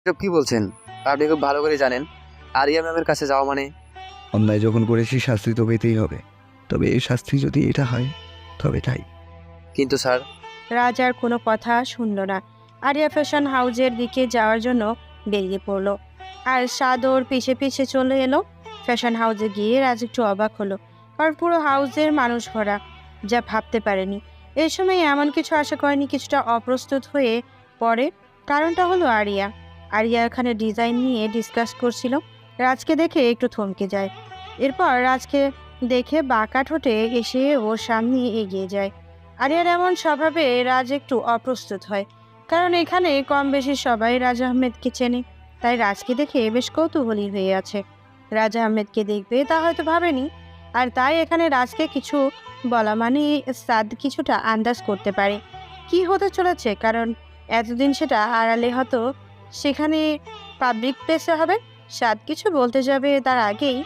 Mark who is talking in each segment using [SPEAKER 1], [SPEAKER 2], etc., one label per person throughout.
[SPEAKER 1] সব কি বলছেন? আপনি খুব ভালো করে জানেন আরিয়া ম্যামের কাছে যাওয়া মানে।
[SPEAKER 2] অন্যায় যখন করেছি শাস্তি তো পেতেই হবে, তবে এই শাস্তি যদি এটা হয় তবে তাই।
[SPEAKER 1] কিন্তু স্যার।
[SPEAKER 3] রাজ আর কোনো কথা শুনল না। আরিয়া ফ্যাশন হাউজের দিকে যাওয়ার জন্য বেরিয়ে পড়লো, আর সাদ ওর পিছে পিছে চলে এলো। ফ্যাশন হাউসে গিয়ে রাজ একটু অবাক হলো, কারণ পুরো হাউসের মানুষ ভরা, যা ভাবতে পারেনি। এই সময় এমন কিছু আশা করেনি, কিছুটা অপ্রস্তুত হয়ে পড়ে। কারণটা হলো আরিয়া। আরিয়া এখানে ডিজাইন নিয়ে ডিসকাস করছিল। রাজকে দেখে একটু থমকে যায়, এরপর রাজকে দেখে বাঁকা ঠোঁটে এসে ওর সামনে এগিয়ে যায়। আরিয়ার এমন স্বভাবে রাজ একটু অপ্রস্তুত হয়, কারণ এখানে কম বেশি সবাই রাজ আহমেদকে চেনে, তাই রাজকে দেখে বেশ কৌতূহলী হয়ে আছে। রাজ আহমেদকে দেখবে তা হয়তো ভাবেনি, আর তাই এখানে রাজকে কিছু বলা মানে সাদ কিছুটা আন্দাজ করতে পারে কি হতে চলেছে, কারণ এতদিন সেটা আড়ালে হতো, সেখানে পাবলিক প্লেসে হবে। সাদ কিছু বলতে যাবে তার আগেই,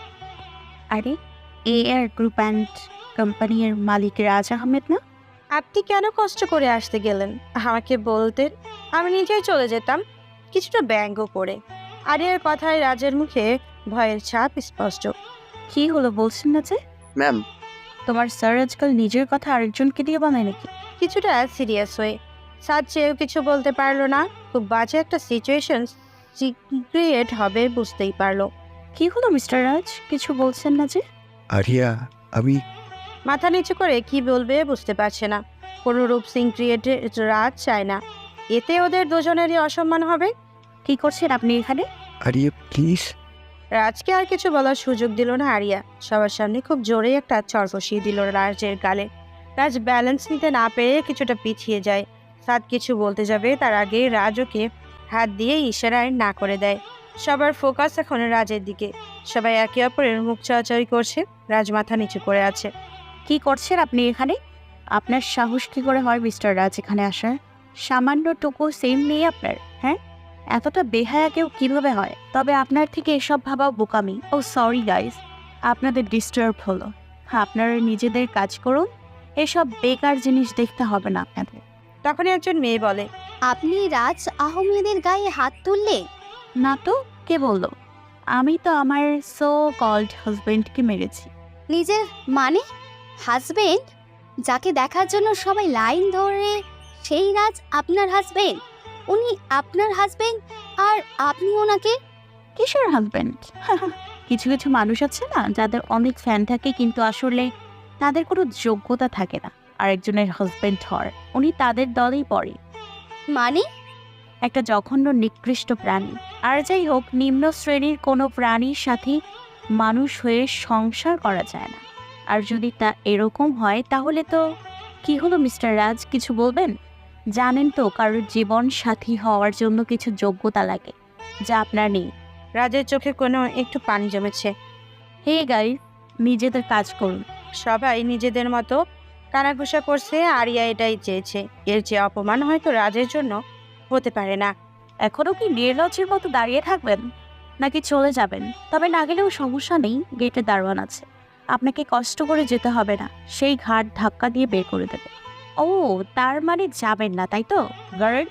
[SPEAKER 4] আরে এআর গ্রুপ অ্যান্ড কোম্পানির মালিক রাজ আহমেদ না?
[SPEAKER 3] আপনি কেন কষ্ট করে আসতে গেলেন? আমাকে বলতেন, আমি নিজেই চলে যেতাম, কিছুটা ব্যঙ্গ করে। আরিয়ার কথায় রাজের মুখে ভয়ের ছাপ স্পষ্ট।
[SPEAKER 4] কি হলো বলছেন না যে?
[SPEAKER 1] ম্যাম।
[SPEAKER 4] তোমার স্যার আজকাল নিজের কথা আরেকজনকে দিয়ে বানায় নাকি?
[SPEAKER 3] কিছুটা সিরিয়াস হয়ে সাদ চেয়েও কিছু বলতে পারলো না। খুব বাজে একটা সিচুয়েশন ক্রিয়েট হবে বুঝতেই পারলো।
[SPEAKER 4] কি হলো মিস্টার রাজ, কিছু বলছেন না যে?
[SPEAKER 2] আরিয়া, আমি
[SPEAKER 3] মাথা নিচু করে কি বলবে বুঝতে পারছে না। কোনো রূপ সিং ক্রিয়েটে রাজ চায় না, এতে ওদের দুজনেরই অসম্মান হবে।
[SPEAKER 4] কি করছেন আপনি এখানে?
[SPEAKER 2] আরিয়া প্লিজ।
[SPEAKER 3] রাজকে আর কিছু বলার সুযোগ দিল না আরিয়া। সবার সামনে খুব জোরে একটা চড় বসিয়ে দিল রাজের গালে। রাজ ব্যালেন্স নিতে না পেরে কিছুটা পিছিয়ে যায়। সাদ কিছু বলতে যাবে তার আগে রাজ ওকে হাত দিয়ে ইশারায় না করে দেয়। সবার ফোকাস এখন রাজের দিকে। সবাই একে অপরের মুখ চাওয়াচাওয়ি করছে। রাজ মাথা নিচু করে আছে।
[SPEAKER 4] কি করছেন আপনি এখানে? আপনার সাহস কি করে হয় মিস্টার রাজ এখানে আসার? সামান্যটুকু সেম নেই আপনার, হ্যাঁ? এতটা বেহায়া কেউ কিভাবে হয়? তবে আপনার থেকে এসব ভাবা বোকামি। ও সরি গাইস, আপনাদের ডিস্টার্ব হলো। আপনারা নিজেদের কাজ করুন, এসব বেকার জিনিস দেখতে হবে না আপনাদের।
[SPEAKER 3] তখনই একজন মেয়ে বলে,
[SPEAKER 5] আপনি রাজ আহমেদের গায়ে হাত তুললে?
[SPEAKER 4] না তো, কে বললো? আমি তো আমার সো কল্ড হাজবেন্ডকে মেরেছি।
[SPEAKER 5] নিজের মানে হাজবেন্ড, যাকে দেখার জন্য সবাই লাইন ধরে, সেই রাজ আপনার হাজবেন্ড? উনি আপনার হাজবেন্ড আর আপনি ওনাকে?
[SPEAKER 4] কিসের হাজবেন্ড? কিছু কিছু মানুষ আছে না, যাদের অনেক ফ্যান থাকে কিন্তু আসলে তাদের কোনো যোগ্যতা থাকে না আরেকজনের হাজবেন্ড হওয়ার। উনি তাদের দলেই পড়ে।
[SPEAKER 5] মানে?
[SPEAKER 4] একটা জঘন্য নিকৃষ্ট প্রাণী। আর যাই হোক, নিম্ন শ্রেণীর কোনো প্রাণীর সাথে মানুষ হয়ে সংসার করা যায় না। আর যদি তা এরকম হয় তাহলে তো... কি হলো মিস্টার রাজ, কিছু বলবেন? জানেন তো কারোর জীবন সাথী হওয়ার জন্য কিছু যোগ্যতা লাগে, যা আপনার নেই।
[SPEAKER 3] রাজের চোখে কোনো একটু পানি জমেছে।
[SPEAKER 4] হে গাইস, নিজেদের কাজ করুন।
[SPEAKER 3] সবাই নিজেদের মতো কানাঘুষা করছে। আরিয়া এটাই চেয়েছে। এর যে অপমান হয়তো রাজের জন্য হতে পারে না।
[SPEAKER 4] এখনো কি নির্লজ্জের মতো দাঁড়িয়ে থাকবেন, নাকি চলে যাবেন? তবে না গেলেও সমস্যা নেই, গেটে দারোয়ান আছে, আপনাকে কষ্ট করে যেতে হবে না, সেই ঘাট ধাক্কা দিয়ে বের করে দেবে। ও, তার মানে যাবেন না, তাই তো? গার্ড,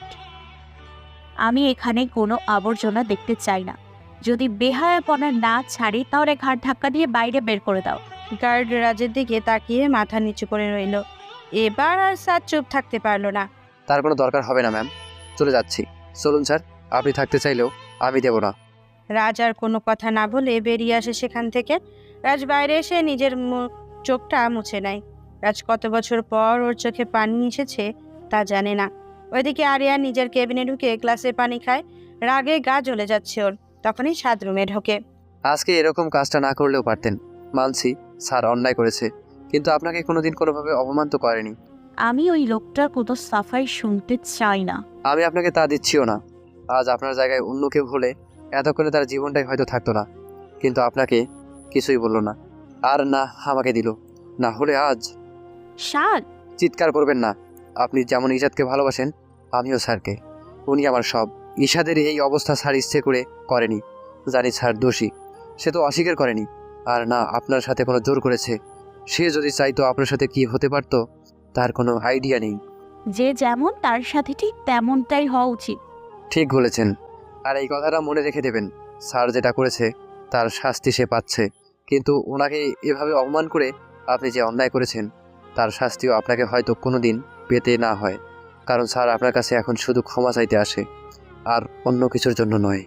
[SPEAKER 4] আমি এখানে কোনো আবর্জনা দেখতে চাই না। যদি বেহায়াপনা না ছাড়ি তাহলে ঘাট ধাক্কা দিয়ে বাইরে বের করে দাও।
[SPEAKER 3] গার্ড রাজের দিকে তাকিয়ে মাথা নিচু করে রইল। এবার আর স্যার চুপ থাকতে পারলো না।
[SPEAKER 1] তার কোনো দরকার হবে না ম্যাম, চলে যাচ্ছি। চলুন স্যার, আপনি থাকতে চাইলেও আমি দেব না।
[SPEAKER 3] রাজ আর কোনো কথা না বলে বেরিয়ে আসে সেখান থেকে। রাজ বাইরে এসে নিজের চোখটা মুছে নেয়। রাজ কত বছর পর ওর চোখে পানি এসেছে তা জানে না। ওইদিকে আরিয়া নিজের কেবিনে ঢুকে গ্লাসে পানি খায়। রাগে গা জ্বলে যাচ্ছে ওর। তখনই সাদ রুমে ঢোকে।
[SPEAKER 1] আজকে এরকম কাজটা না করলেও পারতেন। মানছি স্যার অন্যায় করেছে, কিন্তু আপনাকে কোনোদিন কোনোভাবে অপমান তো করেনি।
[SPEAKER 4] আমি ওই লোকটার কোনো সাফাই শুনতে চাই না।
[SPEAKER 1] আমি আপনাকে তা দিচ্ছিও না। আজ আপনার জায়গায় অন্য কেউ হলে এতক্ষণে তার জীবনটাই হয়তো থাকতো না, কিন্তু আপনাকে কিছুই বললো না, আর না আমাকে দিল, না হলে আজ...
[SPEAKER 4] সাদ,
[SPEAKER 1] চিৎকার করবেন না। আপনি যেমন ইশাদকে ভালোবাসেন, আমিও স্যারকে। উনি আমার সব। ইশাদের এই অবস্থা স্যার ইচ্ছে করে করেনি, জানি স্যার দোষী, সে তো অস্বীকার করেনি। আর না আপনার সাথে কোনো জোর করেছে। সে যদি চাইতো আপনার সাথে কি হতে পারতো তার কোনো আইডিয়া নেই।
[SPEAKER 4] যে যেমন তার সাথে ঠিক তেমনটাই হওয়া উচিত।
[SPEAKER 1] ঠিক বলেছেন। আর এই কথাটা মনে রেখে দেবেন, স্যার যেটা করেছে তার শাস্তি সে পাচ্ছে, কিন্তু ওনাকে এভাবে অপমান করে আপনি যে অন্যায় করেছেন তার শাস্তিও আপনাকে হয়তো কোনো দিন পেতে না হয়, কারণ স্যার আপনার কাছে এখন শুধু ক্ষমা চাইতে আসে আর অন্য কিছুর জন্য নয়।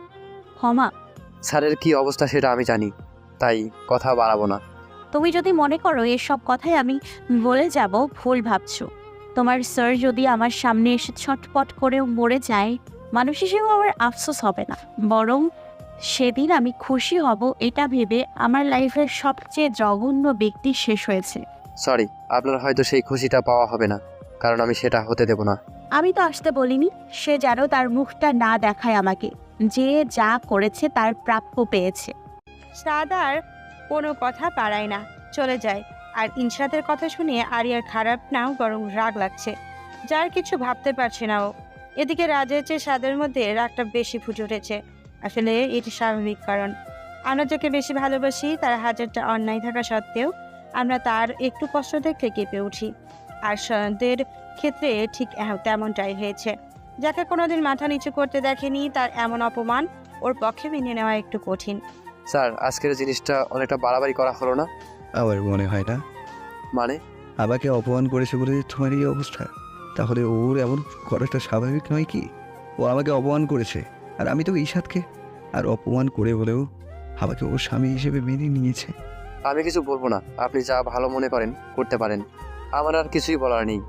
[SPEAKER 4] ক্ষমা?
[SPEAKER 1] স্যারের কি অবস্থা সেটা আমি জানি, তাই কথা বাড়াবো না।
[SPEAKER 4] তুমি যদি মনে করো এসব কথাই আমি বলে যাব, ভুল ভাবছো। তোমার স্যার যদি আমার সামনে এসে ছটপট করেও মরে যায়, মানুষ হিসেবে আমার আফসোস হবে না, বরং সেদিন আমি খুশি হব এটা ভেবে আমার লাইফের সবচেয়ে জঘন্য ব্যক্তি শেষ হয়েছে।
[SPEAKER 1] সরি, আপনার হয়তো সেই খুশিটা পাওয়া হবে না, কারণ আমি সেটা হতে দেব না।
[SPEAKER 4] আমি তো আসতে বলিনি, সে যেন তার মুখটা না দেখায় আমাকে, যে যা করেছে তার প্রাপ্য পেয়েছে।
[SPEAKER 3] সাদ আর কোনো কথা পারায় না, চলে যায়। আর ইনশাদের কথা শুনে আরিয়ার খারাপ না বরং রাগ লাগছে, যার কিছু ভাবতে পারছে না ও। এদিকে রাজের চেয়ে সাদের মধ্যে রাগটা বেশি ফুটে উঠেছে। আসলে এটি স্বাভাবিক, কারণ আমরা যাকে বেশি ভালোবাসি তার হাজারটা অন্যায় থাকা সত্ত্বেও আমরা তার একটু কষ্ট দেখলে কেঁপে উঠি। আর সাদের ক্ষেত্রে ঠিক তেমনটাই হয়েছে। যাকে কোনোদিন মাথা নিচু করতে দেখেনি তার এমন অপমান ওর পক্ষে মেনে নেওয়া একটু কঠিন।
[SPEAKER 1] স্যার, আজকের জিনিসটা অনেকটা বাড়াবাড়ি করা হলো না?
[SPEAKER 2] আমার মনে হয় না।
[SPEAKER 1] মানে?
[SPEAKER 2] আমাকে অপমান করেছে বলে তোমার এই অবস্থা? তাহলে ওর এমন করাটা স্বাভাবিক নয় কি? ও আমাকে অপমান করেছে, আর আমি তো ঈশাদকে আর অপমান করে হলেও আমাকে ওর স্বামী হিসেবে মেনে নিয়েছে।
[SPEAKER 1] আমি কিছু বলবো না, আপনি যা ভালো মনে করেন করতে পারেন, আমার আর কিছুই বলার নেই।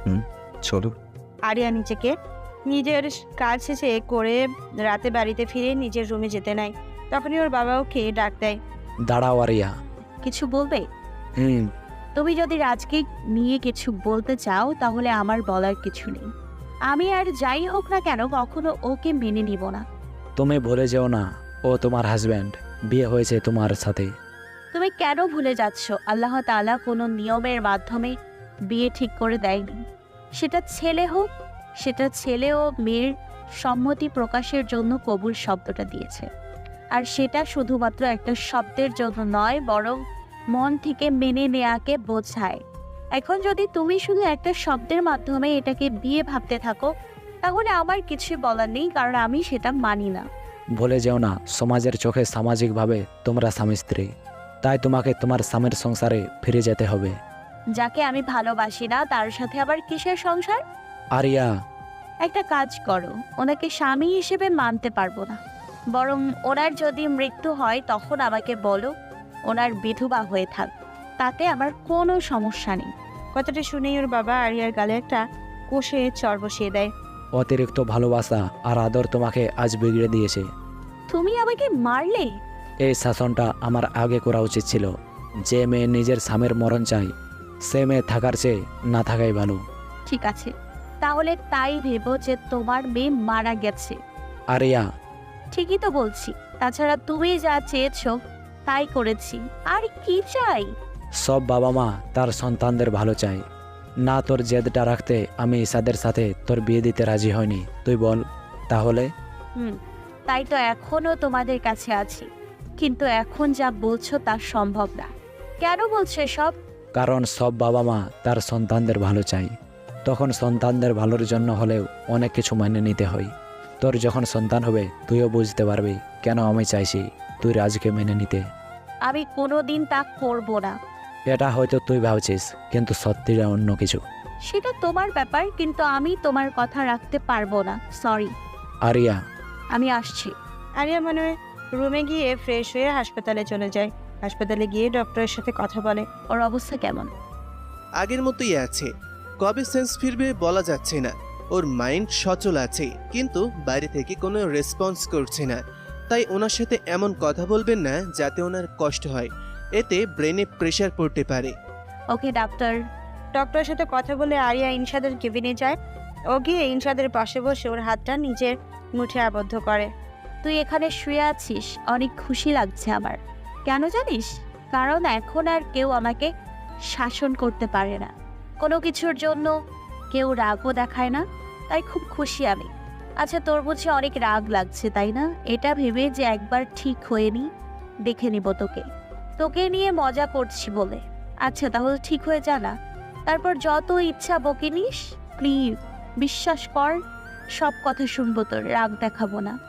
[SPEAKER 2] চলো।
[SPEAKER 3] আরিয়া নিজেকে নিজের কাজ শেষে করে রাতে বাড়িতে ফিরে নিজের রুমে যেতে নেয়। তখনই ওর বাবা ওকে ডাক দেয়।
[SPEAKER 6] দাঁড়াও আরিয়া।
[SPEAKER 4] কিছু বলবে?
[SPEAKER 6] হুম।
[SPEAKER 4] তুমি যদি রাজকে নিয়ে কিছু বলতে চাও তাহলে আমার বলার কিছু নেই। আমি আর যাই হোক না কেন কখনো ওকে মেনে নিব না।
[SPEAKER 6] তুমি ভুলে যেও না, ও তোমার হাজব্যান্ড, বিয়ে হয়েছে তোমার সাথে।
[SPEAKER 4] তুমি কেন ভুলে যাচ্ছ? আল্লাহ তাআলা কোনো নিয়মের মাধ্যমে বিয়ে ঠিক করে দেয়নি। সেটা ছেলে হোক, সেটা ছেলে ও মেয়ের সম্মতি প্রকাশের জন্য কবুল শব্দটা দিয়েছে। আর সেটা শুধুমাত্র একটা শব্দের জন্য নয়, বরং মন থেকে মেনে নেয়াকে বোঝায়। এখন যদি তুমি শুধু একটা শব্দের মাধ্যমে এটাকে বিয়ে ভাবতে থাকো, তাহলে আমার কিছুই বলার নেই, কারণ আমি সেটা মানি না।
[SPEAKER 6] ভুলে যেও না, সমাজের চোখে সামাজিকভাবে তোমরা স্বামী স্ত্রী, তাই তোমাকে তোমার স্বামীর সংসারে ফিরে যেতে হবে।
[SPEAKER 4] যাকে আমি ভালোবাসি না তার সাথে আবার কিসের সংসার?
[SPEAKER 6] আরিয়া।
[SPEAKER 4] একটা কাজ করো, ওনাকে স্বামী হিসেবে মানতে পারবো না, বরং ওনার যদি মৃত্যু হয় তখন আমাকে বলো, ওনার বিধবা হয়ে থাক, তাতে আমার কোনো সমস্যা নেই।
[SPEAKER 3] কথাটা শুনেই ওর বাবা আরিয়ার গালে একটা কষে চর বসিয়ে দেয়।
[SPEAKER 6] অতিরিক্ত ভালোবাসা আর আদর তোমাকে আজ বিগড়ে দিয়েছে।
[SPEAKER 4] তুমি আমাকে মারলে?
[SPEAKER 6] এই শাসনটা আমার আগে করা উচিত ছিল। যে মেয়ে নিজের স্বামীর মরণ চাই, সে মেয়ে থাকার চেয়ে না থাকাই ভালো।
[SPEAKER 4] ঠিক আছে, তাহলে তাই ভেবো যে তোমার মেয়ে মারা গেছে।
[SPEAKER 6] আরিয়া।
[SPEAKER 4] ঠিকই তো বলছি, তাছাড়া তুমি যা চেয়েছো তাই করেছি, আর কি চাই?
[SPEAKER 6] সব বাবা মা তার সন্তানদের ভালো চায় না। তোর জেদটা রাখতে আমি ঈশাদের সাথে তোর বিয়ে দিতে রাজি হয়নি, তুই বল তাহলে?
[SPEAKER 4] তাই তো এখনো তোমাদের কাছে আছি, কিন্তু এখন যা বলছো তা সম্ভব না। কেন বলছো সব?
[SPEAKER 6] কারণ সব বাবা মা তার সন্তানদের ভালো চায়, তখন সন্তানদের ভালোর জন্য হলেও অনেক কিছু মেনে নিতে হয়। তোর যখন সন্তান হবে তুইও বুঝতে পারবি কেন আমি চাইছি তুই রাজকে মেনে নিতে।
[SPEAKER 4] আমি কোনোদিন তা করব না।
[SPEAKER 6] এটা হয়তো তুই ভাবছিস, কিন্তু সত্যিটা অন্য কিছু।
[SPEAKER 4] সেটা তোমার ব্যাপার, কিন্তু আমি তোমার কথা রাখতে পারবো না, সরি।
[SPEAKER 6] আরিয়া।
[SPEAKER 4] আমি আসছি।
[SPEAKER 3] আরিয়া মনে হয় রুমে গিয়ে ফ্রেশ হয়ে হাসপাতালে চলে যায়। হাসপাতালে গিয়ে ডক্টরের সাথে কথা বলে।
[SPEAKER 4] ওর অবস্থা কেমন?
[SPEAKER 7] আগের মতোই আছে, কবে সেন্স ফিরবে বলা যাচ্ছে না। ওর মাইন্ড সচল আছে, কিন্তু বাইরে থেকে কোনো রেসপন্স করছে না। তাই ওনার সাথে এমন কথা বলবেন না যাতে ওনার কষ্ট হয়, এতে ব্রেনে প্রেশার পড়তে পারে।
[SPEAKER 4] Okay doctor.
[SPEAKER 3] ডক্টরের সাথে কথা বলে আরিয়া ইনশাদের কেবিনে যায়। ও গিয়ে ইনশাদের পাশে বসে ওর হাতটা নিজের মুঠে আবদ্ধ করে।
[SPEAKER 4] তুই এখানে শুয়ে আছিস, অনেক খুশি লাগছে আমার। কেন জানিস? কারণ এখন আর কেউ আমাকে শাসন করতে পারে না, কোনো কিছুর জন্য কেউ রাগও দেখায় না, তাই খুব খুশি আমি। আচ্ছা, তোর বুঝি অনেক রাগ লাগছে তাই না? এটা ভেবে যে একবার ঠিক হয়ে নি, দেখে নিব তোকে, তোকে নিয়ে মজা করছি বলে। আচ্ছা তাহলে ঠিক হয়ে যা না, তারপর যত ইচ্ছা বকে নিস। প্লিজ বিশ্বাস কর, সব কথা শুনবো, তোর রাগ দেখাবো না।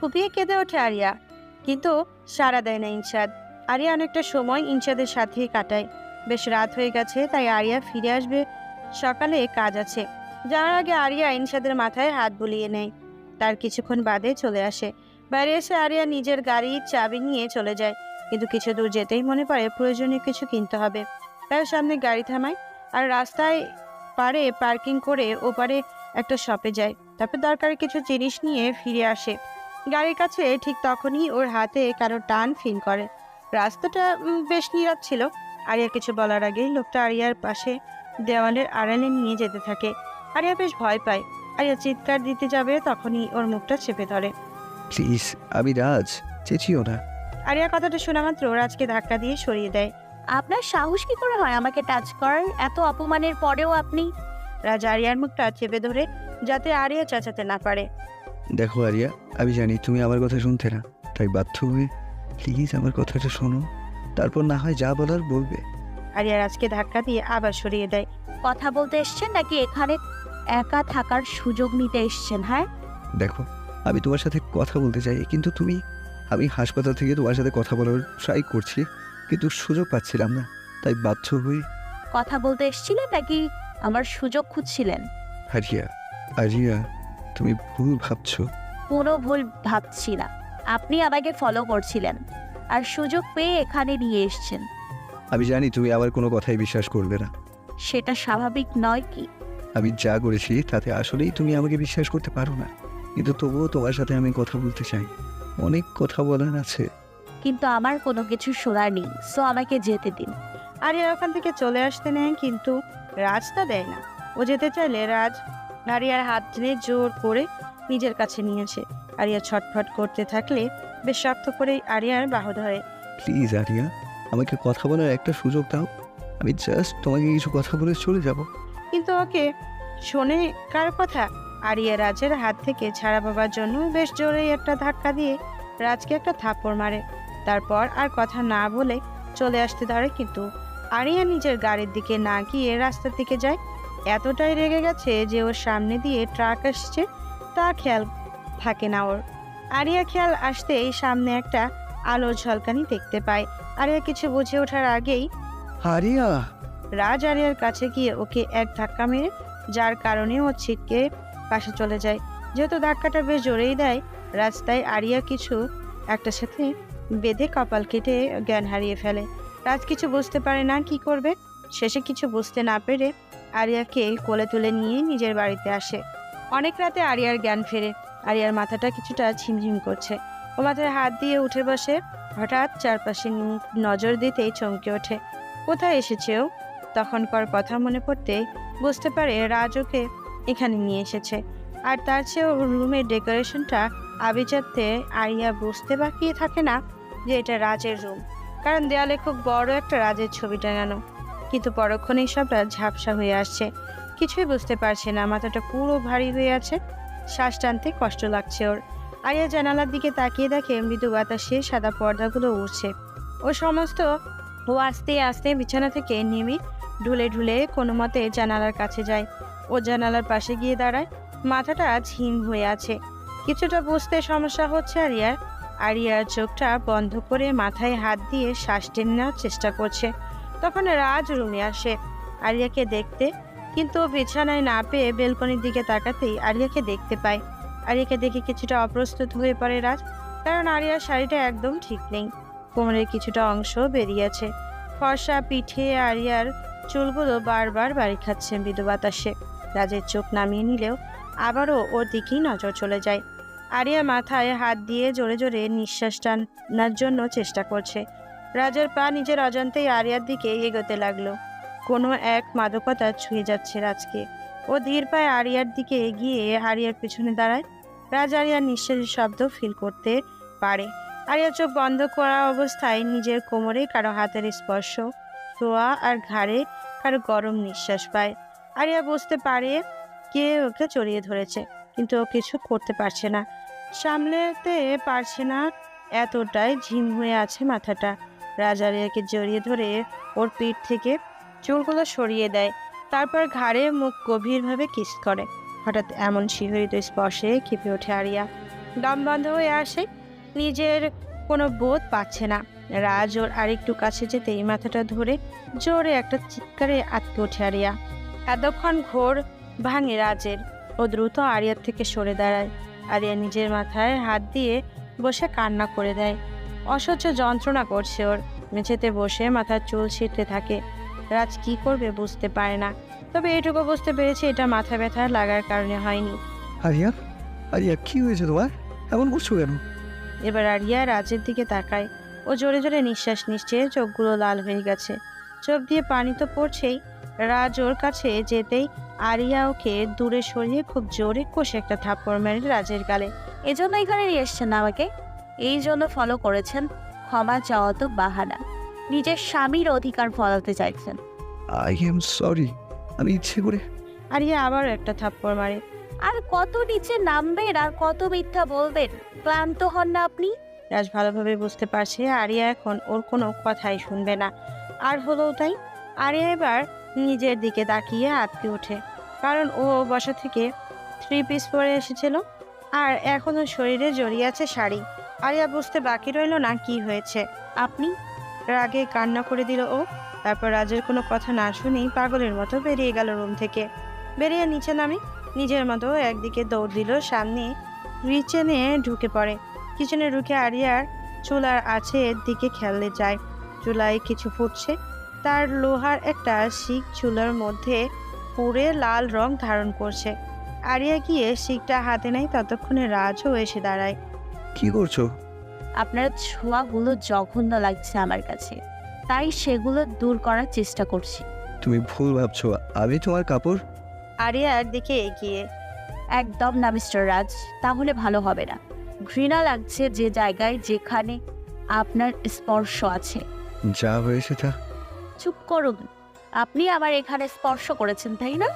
[SPEAKER 3] ফুপিয়ে কেঁদে ওঠে আরিয়া, কিন্তু সাড়া দেয় না ইনশাদ। আরিয়া অনেকটা সময় ইনশাদের সাথেই কাটায়। বেশ রাত হয়ে গেছে, তাই আরিয়া ফিরে আসবে, সকালে কাজ আছে। যাওয়ার আগে আরিয়া ইনশাদের মাথায় হাত বুলিয়ে নেয়। তার কিছুক্ষণ বাদে চলে আসে। বাইরে এসে আরিয়া নিজের গাড়ির চাবি নিয়ে চলে যায়, কিন্তু কিছু দূর যেতেই মনে পড়ে প্রয়োজনীয় কিছু কিনতে হবে। তার সামনে গাড়ি থামায় আর রাস্তায় পারে পার্কিং করে ওপারে একটা শপে যায়। তারপর দরকারি কিছু জিনিস নিয়ে ফিরে আসে। গাড়ির কাছে ঠিক তখনই ওর হাতে কারো টান ফিল করে। রাস্তাটা বেশ নীরব ছিল। আরিয়া কিছু বলার আগেই লোকটা আরিয়ার পাশে দেওয়ালের আড়ালে নিয়ে যেতে থাকে। আরিয়া বেশ ভয় পায়। আরিয়া চিৎকার দিতে যাবে, তখনই ওর মুখটা চেপে ধরে।
[SPEAKER 2] প্লিজ, আমি রাজ, চেঁচিও না।
[SPEAKER 3] আরিয়া কথাটা শোনা মাত্র রাজকে ধাক্কা দিয়ে সরিয়ে দেয়।
[SPEAKER 4] আপনার সাহস কি করে হয় আমাকে টাচ করার? এত অপমানের পরেও আপনি।
[SPEAKER 3] রাজ আরিয়ার মুখটা চেপে ধরে যাতে আরিয়া চেঁচাতে না পারে।
[SPEAKER 2] দেখো আরিয়া, আমি জানি তুমি আমার কথা শুনতে না, তাই বাধ্য হয়ে প্লিজ আমার কথাটা শোনো, তারপর না হয় যা বলার বলবে।
[SPEAKER 3] আরিয়া রাজকে ধাক্কা দিয়ে আবার সরিয়ে দেয়।
[SPEAKER 4] কথা বলতে এসছেন নাকি এখানে একা থাকার সুযোগ নিতে এসছেন? হ্যাঁ,
[SPEAKER 2] দেখো, আমি তোমার সাথে কথা বলতে চাই, কিন্তু আমি হাসপাতাল থেকে তোমার সাথে কথা বলার ট্রাই করছি, কিন্তু সুযোগ পাচ্ছিলাম না, তাই বাধ্য হয়ে।
[SPEAKER 4] কথা বলতে এসেছিলেন নাকি আমার সুযোগ খুঁজছিলেন?
[SPEAKER 2] আরিয়া, আরিয়া, তুমি ভুল ভাবছো।
[SPEAKER 4] কোনো ভুল ভাবছি না। আপনি আমাকে ফলো করছিলেন আর সুযোগ পেয়ে এখানে নিয়ে এসছেন।
[SPEAKER 2] আমি জানি তুমি আমার কোনো কথাই বিশ্বাস করবে না।
[SPEAKER 4] সেটা স্বাভাবিক নয় কি?
[SPEAKER 2] আমি যা করেছি তাতে আসলেই তুমি আমাকে বিশ্বাস করতে পারো না, কিন্তু তবুও তোমার সাথে আমি কথা বলতে চাই, অনেক কথা বলার আছে।
[SPEAKER 4] কিন্তু আমার কোনো কিছু শোনার নেই, সো আমাকে যেতে দিন।
[SPEAKER 3] আরিয়া ওখান থেকে চলে আসতে নেয়, কিন্তু রাজ তা দেয় না। ও যেতে চাইলে রাজ আরিয়ার হাত টেনে জোর করে নিজের কাছে নিয়েছে। আরিয়া ছটফট করতে থাকলে বেশ শক্ত করে আরিয়ার বাহু ধরে।
[SPEAKER 2] প্লিজ আরিয়া, আমাকে কথা বলার একটা সুযোগ দাও, আমি জাস্ট তোমাকে কিছু কথা বলে চলে যাব।
[SPEAKER 3] কিন্তু ওকে শোনে কার কথা? আরিয়া রাজের হাত থেকে ছাড়া পাবার জন্য বেশ জোরেই একটা ধাক্কা দিয়ে রাজকে একটা থাপ্পড় মারে। তারপর আর কথা না বলে চলে আসতে ধরে, কিন্তু আরিয়া নিজের গাড়ির দিকে না গিয়ে রাস্তার দিকে যায়। এতটাই রেগে গেছে যে ওর সামনে দিয়ে ট্রাক আসছে তা খেয়াল থাকে না ওর। আরিয়া খেয়াল আসতেই সামনে একটা আলোর ঝলকানি দেখতে পায়। আরিয়া কিছু বুঝে ওঠার আগেই
[SPEAKER 2] আরিয়া,
[SPEAKER 3] রাজ আরিয়ার কাছে গিয়ে ওকে এক ধাক্কা মেরে, যার কারণে ও ছিটকে পাশে চলে যায়। যেহেতু ধাক্কাটা বেশ জোরেই দেয়, রাস্তায় আরিয়া কিছু একটার সাথে বেঁধে কপাল কেটে জ্ঞান হারিয়ে ফেলে। রাজ কিছু বুঝতে পারে না কি করবে। শেষে কিছু বুঝতে না পেরে আরিয়াকে কোলে তুলে নিয়ে নিজের বাড়িতে আসে। অনেক রাতে আরিয়ার জ্ঞান ফেরে। আরিয়ার মাথাটা কিছুটা ঝিমঝিম করছে। ও মাথায় হাত দিয়ে উঠে বসে। হঠাৎ চারপাশে নজর দিতেই চমকে ওঠে। কোথায় এসেছে ও? তখনকার কথা মনে পড়তে বুঝতে পারে রাজ ওকে এখানে নিয়ে এসেছে। আর তার চেয়েও রুমের ডেকোরেশনটা আভিজাত্যে আরিয়া বুঝতে বাকি থাকে না যে এটা রাজের রুম, কারণ দেয়ালে খুব বড় একটা রাজের ছবি টাঙানো। কিন্তু পরক্ষণেই সবটা ঝাপসা হয়ে আসছে। কিছুই বুঝতে পারছে না, মাথাটা পুরো ভারী হয়ে আছে। শ্বাস টানতে কষ্ট লাগছে ওর। আরিয়া জানালার দিকে তাকিয়ে দেখে মৃদু বাতাসে সাদা পর্দাগুলো উড়ছে। ও আস্তে আস্তে বিছানা থেকে নেমে ঢুলে ঢুলে কোনো মতে জানালার কাছে যায়। ও জানালার পাশে গিয়ে দাঁড়ায়। মাথাটা ঝিম হয়ে আছে। কিছুটা বুঝতে সমস্যা হচ্ছে আরিয়ার। আরিয়ার চোখটা বন্ধ করে মাথায় হাত দিয়ে শ্বাস টেনে নেওয়ার চেষ্টা করছে। তখন রাজ রুমে আসে আরিয়াকে দেখতে, কিন্তু বিছানায় না পেয়ে বেলকনির দিকে তাকাতেই আরিয়াকে দেখতে পায়। আরিয়াকে দেখে কিছুটা অপ্রস্তুত হয়ে পড়ে রাজ, কারণ আরিয়ার শাড়িটা একদম ঠিক নেই। কোমরের কিছুটা অংশ বেরিয়েছে। ফর্সা পিঠে আরিয়ার চুলগুলো বারবার বাড়ি খাচ্ছে মৃদু বাতাসে। রাজের চোখ নামিয়ে নিলেও আবারও ওর দিকেই নজর চলে যায়। আরিয়া মাথায় হাত দিয়ে জোরে জোরে নিঃশ্বাস টানার জন্য চেষ্টা করছে। রাজের পা নিজের অজান্তেই আরিয়ার দিকে এগোতে লাগলো। কোনো এক মাদকতা ছুঁয়ে যাচ্ছে রাজকে। ও ধীর পায়ে আরিয়ার দিকে এগিয়ে আরিয়ার পেছনে দাঁড়ায়। রাজ আরিয়ার নিঃশ্বাসের শব্দ ফিল করতে পারে। আরিয়া চোখ বন্ধ করা অবস্থায় নিজের কোমরে কারো হাতের স্পর্শ, ছোঁয়া আর ঘাড়ে কারো গরম নিঃশ্বাস পায়। আরিয়া বুঝতে পারে কে ওকে জড়িয়ে ধরেছে, কিন্তু ও কিছু করতে পারছে না, সামলাতে পারছে না, এতটাই ঝিম হয়ে আছে মাথাটা। রাজ আরিয়াকে জড়িয়ে ধরে ওর পিঠ থেকে চুলগুলো সরিয়ে দেয়। তারপর ঘাড়ে মুখ গভীরভাবে কিস করে। হঠাৎ এমন শিহরিত স্পর্শে কেঁপে ওঠে আরিয়া। দম বন্ধ হয়ে আসে, নিজের কোনো বোধ পাচ্ছে না। রাজ ওর আরেকটু কাছে যেতেই মাথাটা ধরে জোরে একটা চিৎকারে আটকে ওঠে আরিয়া। এতক্ষণ ঘোর ভাঙে রাজের। ও দ্রুত আরিয়ার থেকে সরে দাঁড়ায়। আরিয়া নিজের মাথায় হাত দিয়ে বসে কান্না করে দেয়। অসহ্য যন্ত্রণা করছে ওর। মেঝেতে বসে মাথার চুল ছিঁড়তে থাকে। রাজ কি করবে বুঝতে পারে না, তবে এটুকু বুঝতে পেরেছে এটা মাথা ব্যথা লাগার কারণে হয়নি।
[SPEAKER 2] আরিয়া, আরিয়া কি হয়েছে তোমার? এমন করছো কেন?
[SPEAKER 3] এবার আরিয়া রাজের দিকে তাকায়। ও জোরে জোরে নিঃশ্বাস নিচ্ছে, চোখগুলো লাল হয়ে গেছে, চোখ দিয়ে পানি তো পড়ছেই। রাজ ওর কাছে যেতেই আরিয়া ওকে দূরে সরিয়ে খুব জোরে কষে একটা থাপ্পড় মেরে রাজের গালে।
[SPEAKER 4] এজন্য এখানে নিয়ে এসছেন আমাকে? এই জন্য ফলো করেছেন? ক্ষমা চাওয়া তো বাহানা, নিজের স্বামীর অধিকার ফলাতে চাইছেন।
[SPEAKER 2] আই এম সরি, আমি ইচ্ছে করে।
[SPEAKER 3] আরিয়া আবার একটা থাপ্পড় মারে।
[SPEAKER 4] আর কত নিচে নামবেন আর কত মিথ্যা বলবেন? ক্লান্ত হন না আপনি?
[SPEAKER 3] রাজ ভালোভাবে বুঝতে পারছে আরিয়া এখন ওর কোনো কথাই শুনবে না। আর হলো তাই। আরিয়া এবার নিজের দিকে তাকিয়ে আটকে ওঠে, কারণ ও বসা থেকে 3 পিস পরে এসেছিল আর এখনো শরীরে জড়িয়ে আছে শাড়ি। আরিয়া বুঝতে বাকি রইল না কি হয়েছে।
[SPEAKER 4] আপনি
[SPEAKER 3] রাগে কান্না করে দিল ও। তারপর রাজের কোনো কথা না শুনেই পাগলের মতো বেরিয়ে গেল রুম থেকে। বেরিয়ে নিচে নামে নিজের মতো একদিকে দৌড় দিল, সামনে কিচেনে ঢুকে পড়ে। কিচেনে ঢুকে আরিয়ার চুলার আছে এর দিকে খেলতে যায়। চুলায় কিছু ফুটছে, তার লোহার একটা শিক চুলার মধ্যে পুড়ে লাল রং ধারণ করছে। আরিয়া গিয়ে শিকটা হাতে নেয়, ততক্ষণে রাজও এসে দাঁড়ায়।
[SPEAKER 2] কি করছো?
[SPEAKER 4] আপনার ছোঁয়াগুলো জঘন্য লাগছে আমার কাছে, তাই সেগুলো দূর করার চেষ্টা করছি।
[SPEAKER 2] তুমি ভুল ভাবছো, আমি তোমার কাপড়।
[SPEAKER 3] আরিয়ার দিকে এগিয়ে।
[SPEAKER 4] একদম না মিস্টার রাজ, তাহলে ভালো হবে না। ঘৃণা লাগছে যে জায়গায় যেখানে আপনার স্পর্শ আছে।
[SPEAKER 2] যা হয়েছে তা।
[SPEAKER 4] চুপ করুন, আপনি আমার এখানে স্পর্শ করেছেন তাই না?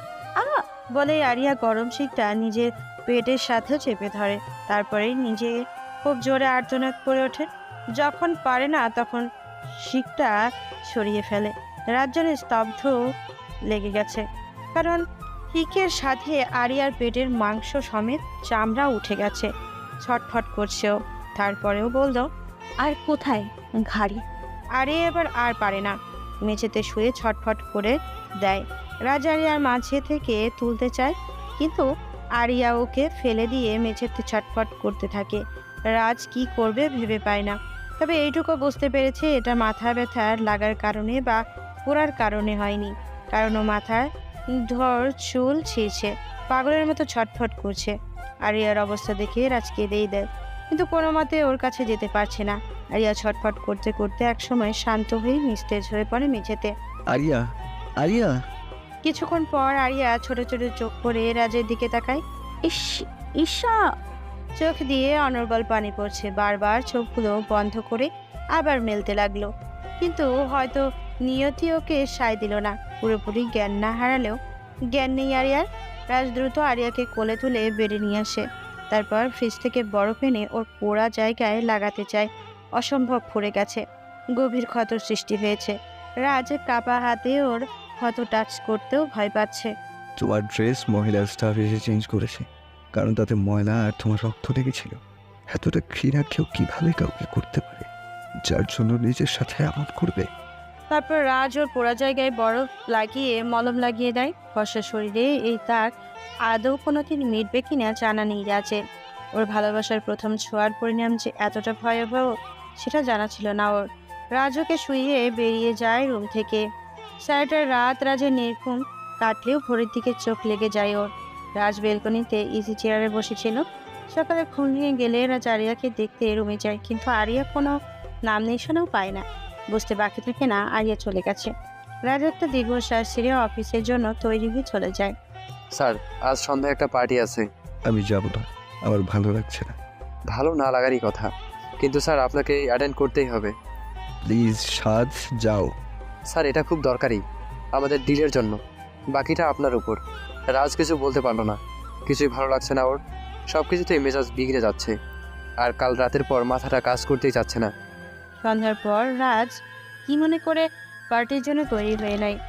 [SPEAKER 3] বলে আরিয়া গরম শিকটা নিজের পেটের সাথে চেপে ধরে। তারপরে নিজে খুব জোরে আর্তনাদ করে ওঠে। যখন পারে না তখন শিকটা সরিয়ে ফেলে। রাজ্যের স্তব্ধ লেগে গেছে, কারণ হিকের সাথে আরিয়ার পেটের মাংস সমেত চামড়া উঠে গেছে। ছটফট করছেও। তারপরেও বলল,
[SPEAKER 4] আর কোথায়? ঘাড়ি।
[SPEAKER 3] আরিয়া এবার আর পারে না, মেঝেতে শুয়ে ছটফট করে দেয়। রাজ আরিয়ার মাঝে থেকে তুলতে চায়, কিন্তু আরিয়া ওকে ফেলে দিয়ে মেঝেতে ছটফট করতে থাকে। রাজ কি করবে ভেবে পায় না, তবে এইটুকু বুঝতে পেরেছে এটা মাথা ব্যথার লাগার কারণে বা পোড়ার কারণে হয়নি, কারণ ও মাথার ধর চুল ছিঁড়ছে, পাগলের মতো ছটফট করছে। আরিয়ার অবস্থা দেখে রাজ কেঁদেই দেয়, কিন্তু কোনো মতে ওর কাছে যেতে পারছে না। আরিয়া ছটফট করতে করতে একসময় শান্ত হয়ে নিস্তেজ হয়ে পড়ে মেঝেতে।
[SPEAKER 2] আরিয়া, আরিয়া।
[SPEAKER 3] কিছুক্ষণ পর আরিয়া ছোট ছোট চোখ করে রাজের দিকে তাকায়।
[SPEAKER 4] ইস, ঈশা।
[SPEAKER 3] চোখ দিয়ে অনর্গল পানি পড়ছে। বারবার চোখগুলো বন্ধ করে আবার মেলতে লাগলো, কিন্তু হয়তো নিয়তি ওকে সায় দিল না। পুরোপুরি জ্ঞান না হারালেও জ্ঞান নেই আরিয়ার। রাজ দ্রুত আরিয়াকে কোলে তুলে বেড়ে নিয়ে আসে। তারপর ফ্রিজ থেকে বরফ এনে ওর পোড়া জায়গায় লাগাতে চায়। অসম্ভব ফুরে গেছে, গভীর ক্ষতর সৃষ্টি হয়েছে। রাজ কাপা হাতে ওর ক্ষত টাচ করতেও ভয় পাচ্ছে।
[SPEAKER 2] তোমার ড্রেস মহিলা স্টাফ এসে চেঞ্জ করেছে, কারণ তাতে ময়লা আর তোমার রক্ত লেগেছিল। এতটা ঘৃণা কেউ কিভাবে কাউকে করতে পারে, যার জন্য নিজের সাথে এমন করবে?
[SPEAKER 3] তারপর রাজ ওর পোড়া জায়গায় বরফ লাগিয়ে মলম লাগিয়ে দেয়। ফর্সা শরীরে এই তার আদৌ কোনোদিন মিটবে কিনা জানা নেই রাজের। ওর ভালোবাসার প্রথম ছোঁয়ার পরিণাম যে এতটা ভয়াবহ সেটা জানা ছিল না ওর। রাজ ওকে শুইয়ে বেরিয়ে যায় রুম থেকে। সারাটা রাত রাজের নির্ঘুম কাটলেও ভোরের দিকে চোখ লেগে যায় ওর। রাজ বেলকনিতে ইজি চেয়ারে বসেছিল। সকালে ঘুম ভেঙে গেলে রাজ আরিয়াকে দেখতে রুমে যায়, কিন্তু আরিয়া কোনো নাম নিশানাও পায় না। বুঝতে বাকি থাকে না আরিয়া চলে গেছে। রাজ একটা দীর্ঘশ্বাস ছেড়ে অফিসের জন্য তৈরি হয়ে চলে যায়।
[SPEAKER 1] স্যার, আজ সন্ধ্যায় একটা পার্টি আছে।
[SPEAKER 2] আমি যাব না, আমার ভালো লাগছে না।
[SPEAKER 1] ভালো না লাগারই কথা, কিন্তু স্যার আপনাকে অ্যাটেন্ড করতেই হবে।
[SPEAKER 2] প্লিজ সাজ, যাও।
[SPEAKER 1] স্যার, এটা খুব দরকারি আমাদের ডিলের জন্য। বাকিটা আপনার উপর। রাজ কিছু বলতে পারলো না, কিছুই ভালো লাগছে না ওর। সব কিছুতেই মেজাজ বিগড়ে যাচ্ছে, আর কাল রাতের পর মাথাটা কাজ করতেই যাচ্ছে না।
[SPEAKER 3] সন্ধ্যার পর রাজ কি মনে করে পার্টির জন্য তৈরি হয়ে নেয়।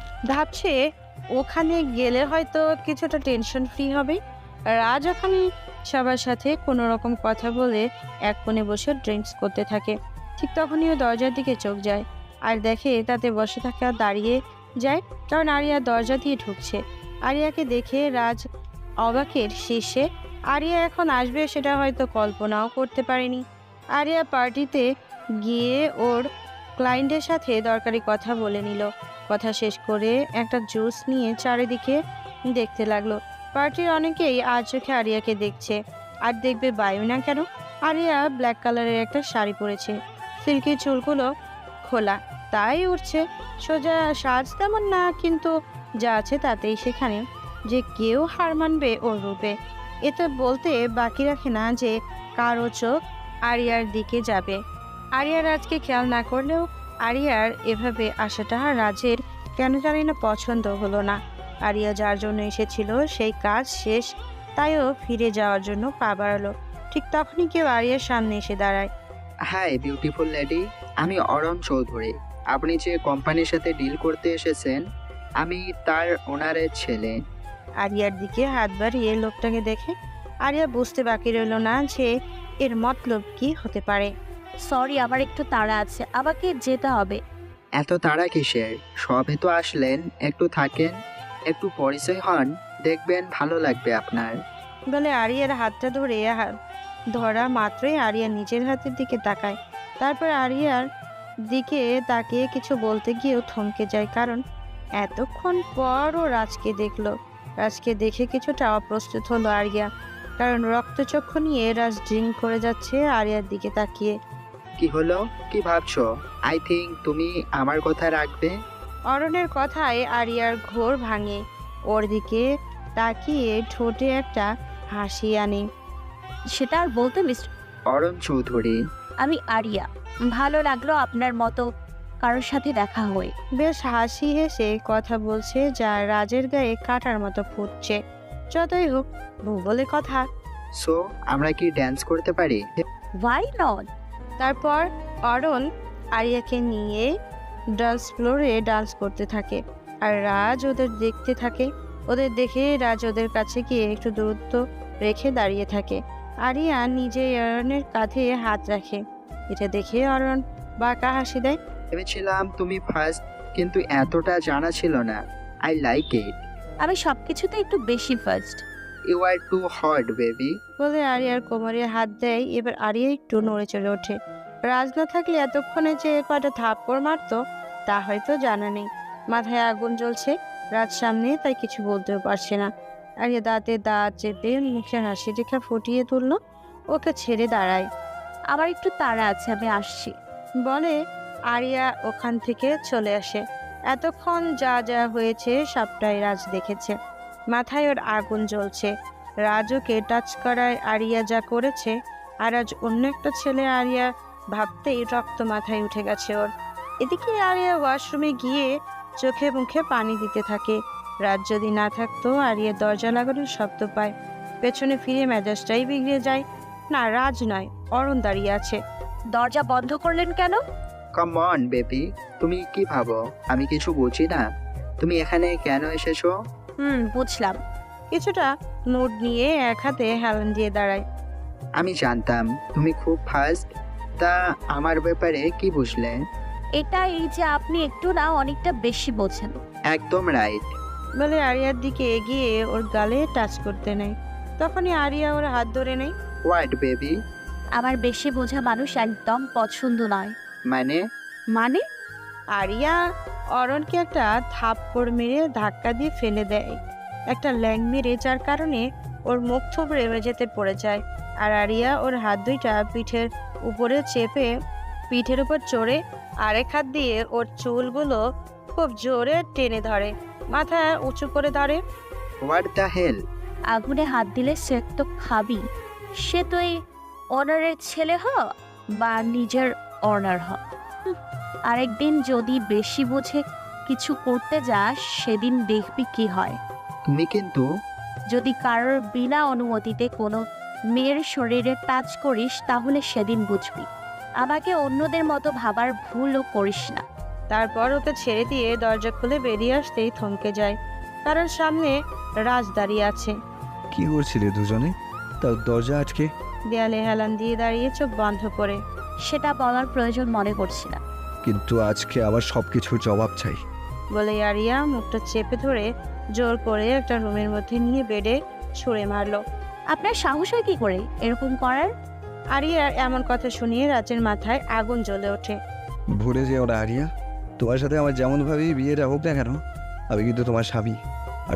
[SPEAKER 3] ভাবছে ওখানে গেলে হয়তো কিছুটা টেনশন ফ্রি হবে। রাজ ওখানে সবার সাথে কোনো রকম কথা বলে এক কোণে বসে ড্রিঙ্কস করতে থাকে। ঠিক তখনই ও দরজার দিকে চোখ যায় আর দেখে তাতে বসে থাকা দাঁড়িয়ে যায়, কারণ আরিয়া দরজা দিয়ে ঢুকছে। আরিয়াকে দেখে রাজ অবাকের শীর্ষে। আরিয়া এখন আসবে সেটা হয়তো কল্পনাও করতে পারেনি। আরিয়া পার্টিতে গিয়ে ওর ক্লায়েন্টের সাথে দরকারি কথা বলে নিল। কথা শেষ করে একটা জুস নিয়ে চারিদিকে দেখতে লাগলো। পার্টির অনেকেই আর চোখে আরিয়াকে দেখছে, আর দেখবে বায়ু না কেন। আরিয়া ব্ল্যাক কালারের একটা শাড়ি পরেছে, সিল্কি চুলগুলো খোলা, তাই উঠছে সোজা। সাজ তেমন না, কিন্তু যা আছে তাতেই সেখানে যে কেউ হার মানবে ওর রূপে। এতে বলতে বাকি রাখে না যে কারো চোখ আরিয়ার দিকে যাবে। আরিয়া রাজকে খেয়াল না করলেও আরিয়ার এভাবে আসাটা রাজের কেন জানি না পছন্দ হলো না। আরিয়া যার জন্য এসেছিল সেই কাজ শেষ, তাইও ফিরে যাওয়ার জন্য পা বাড়ালো। ঠিক তখনই কেউ আরিয়ার সামনে এসে দাঁড়ায়।
[SPEAKER 8] হাই বিউটিফুল লেডি, আমি অরণ চৌধুরী। আপনি যে কোম্পানির সাথে ডিল করতে এসেছেন, আমি তার ওনারের ছেলে।
[SPEAKER 3] আরিয়ার দিকে হাত বাড়িয়ে লোকটাকে দেখে আরিয়া বুঝতে বাকি রইল না যে এর মতলব কি হতে পারে।
[SPEAKER 4] সরি, আমার একটু তাড়া আছে, আমাকে যেতে হবে।
[SPEAKER 8] এত তাড়া কিসের? সবে তো আসলেন, একটু থাকেন, একটু পরিচয় হন, দেখবেন ভালো লাগবে আপনার।
[SPEAKER 3] বলে আরিয়ার হাতটা ধরা মাত্রই আরিয়া নিজের হাতের দিকে তাকায়। তারপর আরিয়ার দিকে তাকিয়ে কিছু বলতে গিয়েও থমকে যায়, কারণ এতক্ষণ পর ও রাজকে দেখলো। রাজকে দেখে কিছুটা অপ্রস্তুত হলো আরিয়া, কারণ রক্তচক্ষু নিয়ে রাজ ড্রিঙ্ক করে যাচ্ছে আরিয়ার দিকে তাকিয়ে।
[SPEAKER 8] কি হলো? কি ভাবছো? আই থিঙ্ক তুমি আমার কথা রাখবে।
[SPEAKER 3] অরণের কথায় আরিয়ার ঘোর ভাঙে। ওর দিকে তাকিয়ে ঠোঁটে একটা হাসি আনে।
[SPEAKER 4] সেটা আর বলতে মিস্টার,
[SPEAKER 8] অরণ চৌধুরী।
[SPEAKER 4] আমি আরিয়া। ভালো লাগলো আপনার মতো কারোর সাথে দেখা হয়ে।
[SPEAKER 3] বেশ হাসি হেসে কথা বলছে, যা রাজের গায়ে কাটার মতো ফুটছে। যতই হোক বউ বলে কথা।
[SPEAKER 8] সো আমরা কি ড্যান্স করতে পারি?
[SPEAKER 4] Why not?
[SPEAKER 3] তারপর অরণ আরিয়াকে নিয়ে ডান্স ফ্লোরে ডান্স করতে থাকে, আর রাজ ওদের দেখতে থাকে। ওদের দেখে রাজ ওদের কাছে গিয়ে একটু দূরত্ব রেখে দাঁড়িয়ে থাকে। আরিয়া নিজে অরণের কাঁধে হাত রাখে। এটা দেখে অরণ বাঁকা হাসি দেয়।
[SPEAKER 8] ভেবেছিলাম তুমি ফার্স্ট, কিন্তু এতটা জানা ছিল না। I like it.
[SPEAKER 4] আমি সবকিছুতে একটু বেশি fast.
[SPEAKER 8] You are too hot baby.
[SPEAKER 3] বলে আরিয়ার কোমরে হাত দেয়। এবার আরিয়া একটু নড়ে চড়ে ওঠে। রাজ না থাকলে এতক্ষণে যে কয়টা থাপ্পড় মারতো তা হয়তো জানা নেই। মাথায় আগুন জ্বলছে রাজ সামনে, তাই কিছু বলতেও পারছে না। আরিয়া দাঁতে দাঁত চেপে মুখের হাসি রেখা ফুটিয়ে তুললো। ওকে ছেড়ে দাঁড়ায়।
[SPEAKER 4] আমার একটু তাড়া আছে, আমি আসছি।
[SPEAKER 3] বলে আরিয়া ওখান থেকে চলে আসে। এতক্ষণ যা যা হয়েছে সবটাই রাজ দেখেছে। মাথায় ওর আগুন জ্বলছে। রাজ ওকে টাচ করায় আরিয়া যা করেছে, আর আজ অন্য একটা ছেলে আরিয়া ভাবতেই রক্ত মাথায় উঠে গেছে ওর। এদিকে আরিয়া ওয়াশরুমে গিয়ে চোখে মুখে পানি দিতে থাকে। রাজ যদি না থাকতো আরিয়া দরজা লাগানোর শব্দ পায়। পেছনে ফিরে মেজাজটাই বিগড়ে যায়। না, রাজ নয়, অরণ দাঁড়িয়ে আছে।
[SPEAKER 4] দরজা বন্ধ করলেন কেন?
[SPEAKER 8] কাম অন বেবি, তুমি কি ভাবো আমি কিছু বুঝি না? তুমি এখানে কেন এসেছো?
[SPEAKER 4] বুঝলাম।
[SPEAKER 3] কিছুটা মুড নিয়ে এক হাতে হেলান দিয়ে দাঁড়ায়।
[SPEAKER 8] আমি জানতাম তুমি খুব ফাস্ট। তা আমার ব্যাপারে কি বুঝলে?
[SPEAKER 4] এটা এই যে আপনি একটু না অনেকটা বেশি বোঝেন।
[SPEAKER 8] একদম রাইট।
[SPEAKER 3] বলে আরিয়ার দিকে এগিয়ে ওর গালে টাচ করতে নেয়। তখনই আরিয়া ওর হাত ধরে নেয়।
[SPEAKER 8] What baby?
[SPEAKER 4] আমার বেশি বোঝা মানুষ একদম পছন্দ নয়।
[SPEAKER 8] মানে?
[SPEAKER 4] মানে?
[SPEAKER 3] আরিয়া অরণকে একটা থাপ্পড় মেরে ধাক্কা দিয়ে ফেলে দেয়, একটা ল্যাং মেরে, যার কারণে ওর মুখ থুবড়ে মেঝেতে পড়ে যায়। আর আরিয়া ওর হাত দুইটা পিঠের উপরে চেপে পিঠের উপর চড়ে আরেক হাত দিয়ে ওর চুলগুলো খুব জোরে টেনে ধরে, মাথা উঁচু করে ধরে।
[SPEAKER 8] What the hell?
[SPEAKER 4] আগুনে হাত দিলে সে তো খাবি। সে তো এই অনারের ছেলে হ বা নিজের অনার হ। আরেকদিন যদি বেশি বুঝে কিছু করতে যাস সেদিন দেখবি কি হয়।
[SPEAKER 8] তুমি কিন্তু
[SPEAKER 4] যদি কারোর বিনা অনুমতিতে কোনো মেয়ের শরীরে টাচ করিস তাহলে সেদিন বুঝবি। আমাকে অন্যদের মতো ভাবার ভুলও করিস না।
[SPEAKER 3] তারপর ওকে ছেড়ে দিয়ে দরজা খুলে বেরিয়ে আসতেই থমকে যায়, কারণ সামনে রাজ দাঁড়িয়ে আছে।
[SPEAKER 2] কি করছিলে দুজনে? তার দরজা আটকে।
[SPEAKER 3] দেয়ালে হেলান দিয়ে দাঁড়িয়ে চোখ বন্ধ করে।
[SPEAKER 4] সেটা বলার প্রয়োজন মনে করছি না।
[SPEAKER 2] কিন্তু আজকে আবার সব কিছুর জবাব চাই।
[SPEAKER 3] বলে আরিয়া মুখটা চেপে ধরে জোর করে একটা রুমের মধ্যে নিয়ে বেডে ছুঁড়ে মারলো।
[SPEAKER 4] আপনার সাহস হয় কি করে এরকম করার?
[SPEAKER 3] আরিয়ার এমন কথা শুনিয়ে রাজের মাথায় আগুন জ্বলে ওঠে।
[SPEAKER 2] ভুলে যেও না আরিয়া, তোমার সাথে আমার যেমনভাবেই বিয়েটা হোক না কেন, আমি কিন্তু তোমার স্বামী। আর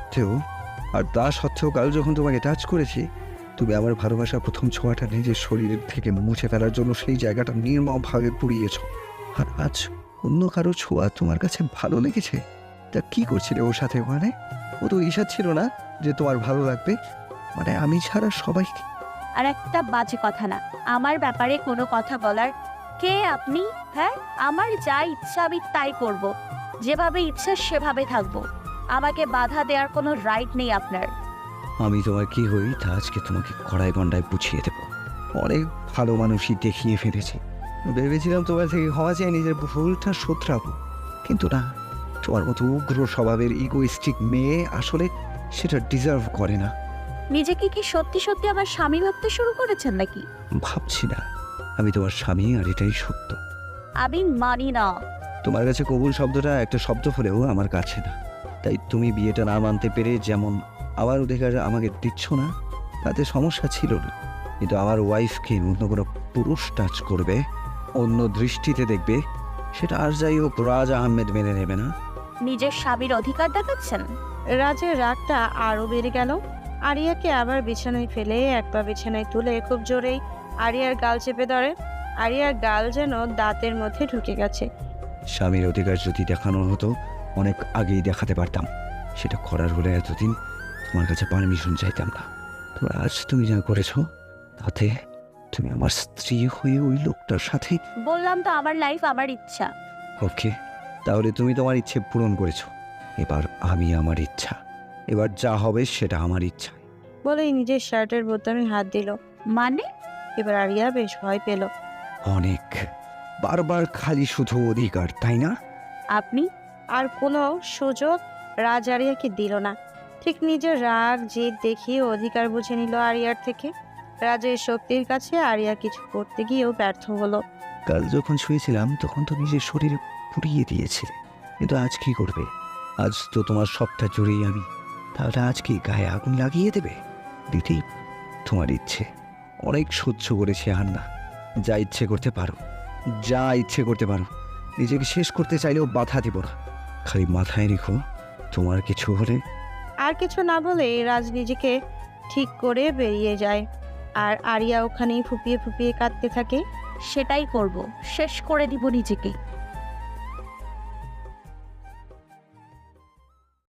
[SPEAKER 2] তা সত্ত্বেও কাল যখন তোমাকে টাচ করেছি, তুমি আমার ভালোবাসার প্রথম ছোঁয়াটা নিজের শরীরের থেকে মুছে ফেলার জন্য সেই জায়গাটা নির্মমভাবে পুড়িয়েছ। আর আজ অন্য কারো ছোঁয়া তোমার কাছে ভালো লেগেছে? তা কি করছিলে ওর সাথে? মানে ও তো ঈশা ছিল না যে তোমার ভালো লাগবে? মানে আমি ছাড়া সবাই।
[SPEAKER 4] আর একটা বাজে কথা না, আমার ব্যাপারে কোনো কথা বলার কে আপনি? হ্যাঁ, আমার যা ইচ্ছা আমি তাই করব, যেভাবে ইচ্ছা সেভাবে থাকবো। আমাকে বাধা দেওয়ার কোনো রাইট নেই আপনার।
[SPEAKER 2] আমি তোমার কি হই তা আজকে তোমাকে কড়ায় গন্ডায় বুঝিয়ে দেব। অনেক ভালো মানুষই দেখিয়ে ফেলেছি। ভেবেছিলাম তোমার থেকে ক্ষমা চেয়ে নিজের ভুলটা শোধরাবো, কিন্তু না, তোমার মতো উগ্র স্বভাবের ইগোইস্টিক মেয়ে আসলে সেটা ডিজার্ভ করে না।
[SPEAKER 4] নিজেকে কি সত্যি সত্যি আমার স্বামী ভাবতে শুরু করেছেন নাকি?
[SPEAKER 2] ভাবছি না, আমি তোমার স্বামী, আর এটাই সত্য।
[SPEAKER 4] আমি মানি না।
[SPEAKER 2] তোমার কাছে কবুল শব্দটা একটা শব্দ হলেও আমার কাছে না। তাই তুমি বিয়েটা না মানতে পেরে যেমন আমার অধিকার আমাকে দিচ্ছ না, তাতে সমস্যা ছিল না। কিন্তু আমার ওয়াইফকে অন্য কোনো পুরুষ টাচ করবে, অন্য দৃষ্টিতে দেখবে, সেটা আর যাই হোক রাজ আহমেদ মেনে নেবে না।
[SPEAKER 4] নিজের স্বামীর অধিকার দেখাচ্ছেন।
[SPEAKER 3] রাজের রাগটা আরো বেড়ে গেল। আরিয়াকে আবার বিছানায় ফেলে এক পা বিছানায় তুলে খুব জোরেই আরিয়ার গাল চেপে ধরে। আরিয়ার গাল যেন দাঁতের মধ্যে ঢুকে গেছে।
[SPEAKER 2] স্বামীর অধিকার যদি দেখানো হতো অনেক আগেই দেখাতে পারতাম। সেটা করার হলে এতদিন তোমার কাছে পারমিশন চাইতাম না। তবে আজ তুমি যা করেছো তাতে তুমি আমার স্ত্রী হয়ে ওই লোকটার সাথে।
[SPEAKER 4] বললাম তো আমার লাইফ আমার ইচ্ছা।
[SPEAKER 2] ওকে, তাহলে তুমি তোমার ইচ্ছে পূরণ করেছো, এবার আমি আমার ইচ্ছা। এবার যা হবে সেটা আমার ইচ্ছা।
[SPEAKER 3] বলেই নিজের শার্টের বোতামে হাত দিল।
[SPEAKER 4] মানে?
[SPEAKER 3] এবার আরিয়া বেশ ভয় পেল।
[SPEAKER 2] অনেক, বারবার খালি শুধু অধিকার, তাই না?
[SPEAKER 4] আপনি
[SPEAKER 3] আর কোনো সুযোগ রাজ আরিয়াকে দিল না। ঠিক নিজের রাগ জেদ দেখিয়ে অধিকার বুঝে নিল আরিয়ার থেকে। রাজের শক্তির কাছে আরিয়া কিছু করতে গিয়েও ব্যর্থ হলো।
[SPEAKER 2] কাল যখন শুয়েছিলাম তখন তো নিজের শরীরে পুড়িয়ে দিয়েছিলে, কিন্তু আজ কি করবে? আজ তো তোমার সবটা জুড়েই আমি। তাহলে আজ কি গায়ে আগুন লাগিয়ে দেবে? দিতেই তোমার ইচ্ছে। অনেক সহ্য করেছি, আর না। যা ইচ্ছে করতে পারো, যা ইচ্ছে করতে পারো। নিজেকে শেষ করতে চাইলেও বাধা দিব না। খালি মাথায় রেখো, তোমার কিছু হলে।
[SPEAKER 3] আর কিছু না বলে রাজ নিজেকে ঠিক করে বেরিয়ে যায়। আর আরিয়া ওখানেই ফুপিয়ে ফুপিয়ে কাঁদতে থাকে।
[SPEAKER 4] সেটাই করব, শেষ করে দিব নিজেকে।